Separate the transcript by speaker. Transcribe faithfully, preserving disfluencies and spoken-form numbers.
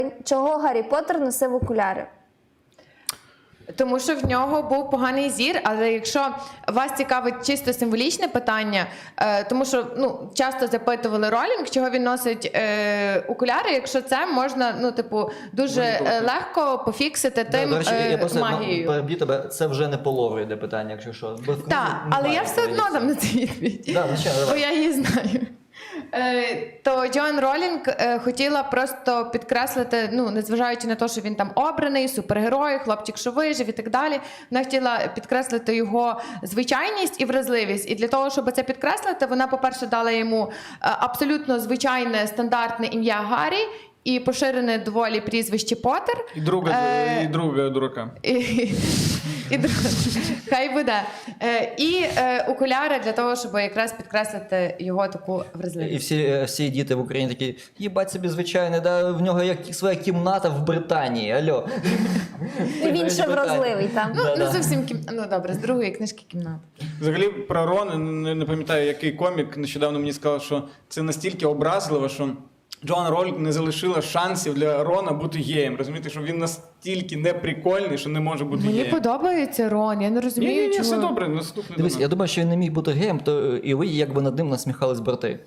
Speaker 1: Чого Гаррі Поттер носив окуляри?
Speaker 2: Тому що в нього був поганий зір, але якщо вас цікавить чисто символічне питання, е, тому що ну, часто запитували Ролінг, чого він носить е, окуляри, якщо це можна, ну, типу, дуже е, легко пофіксити тим
Speaker 3: До речі,
Speaker 2: е,
Speaker 3: я просто
Speaker 2: магією.
Speaker 3: переб'ю тебе, це вже не по лору йде питання, якщо що. Бо в книзі
Speaker 2: Так, але
Speaker 3: немає
Speaker 2: я все одно
Speaker 3: відповіді.
Speaker 2: дам на це відповідь,
Speaker 3: Да, звичайно,
Speaker 2: бо
Speaker 3: давай.
Speaker 2: я її знаю. Е, То Джоан Ролінг е, хотіла просто підкреслити, ну, незважаючи на те, що він там обраний, супергерой, хлопчик, що вижив і так далі, вона хотіла підкреслити його звичайність і вразливість. І для того, щоб це підкреслити, вона, по-перше, дала йому е, абсолютно звичайне, стандартне ім'я Гаррі і поширене доволі прізвище Поттер.
Speaker 4: І друга,
Speaker 2: Е,
Speaker 4: і друга дурака.
Speaker 2: І, і друг- хай буде. Е, І е, окуляри для того, щоб якраз підкреслити його таку
Speaker 3: І
Speaker 2: вразливість.
Speaker 3: всі, е, всі діти в Україні такі, їбать собі звичайне, да, в нього як своя кімната в Британії, альо.
Speaker 1: І він ще вразливий там.
Speaker 2: Ну,
Speaker 3: Да-да.
Speaker 2: не зовсім кім... ну добре, з другої книжки кімната.
Speaker 4: Взагалі про Рон, не, не пам'ятаю, який комік нещодавно мені сказав, що це настільки образливо, що Джоан Ролінг не залишила шансів для Рона бути геєм. Розумієте, що він настільки неприкольний, що не може бути
Speaker 2: Мені
Speaker 4: геєм.
Speaker 2: подобається Рон, я не
Speaker 4: Ні,
Speaker 2: розумію,
Speaker 4: ні, ні,
Speaker 2: чого.
Speaker 4: все добре, наступний
Speaker 3: Дивись,
Speaker 4: до
Speaker 3: я
Speaker 4: нас.
Speaker 3: думаю, що він не міг бути геєм, то і ви якби над ним насміхались брати.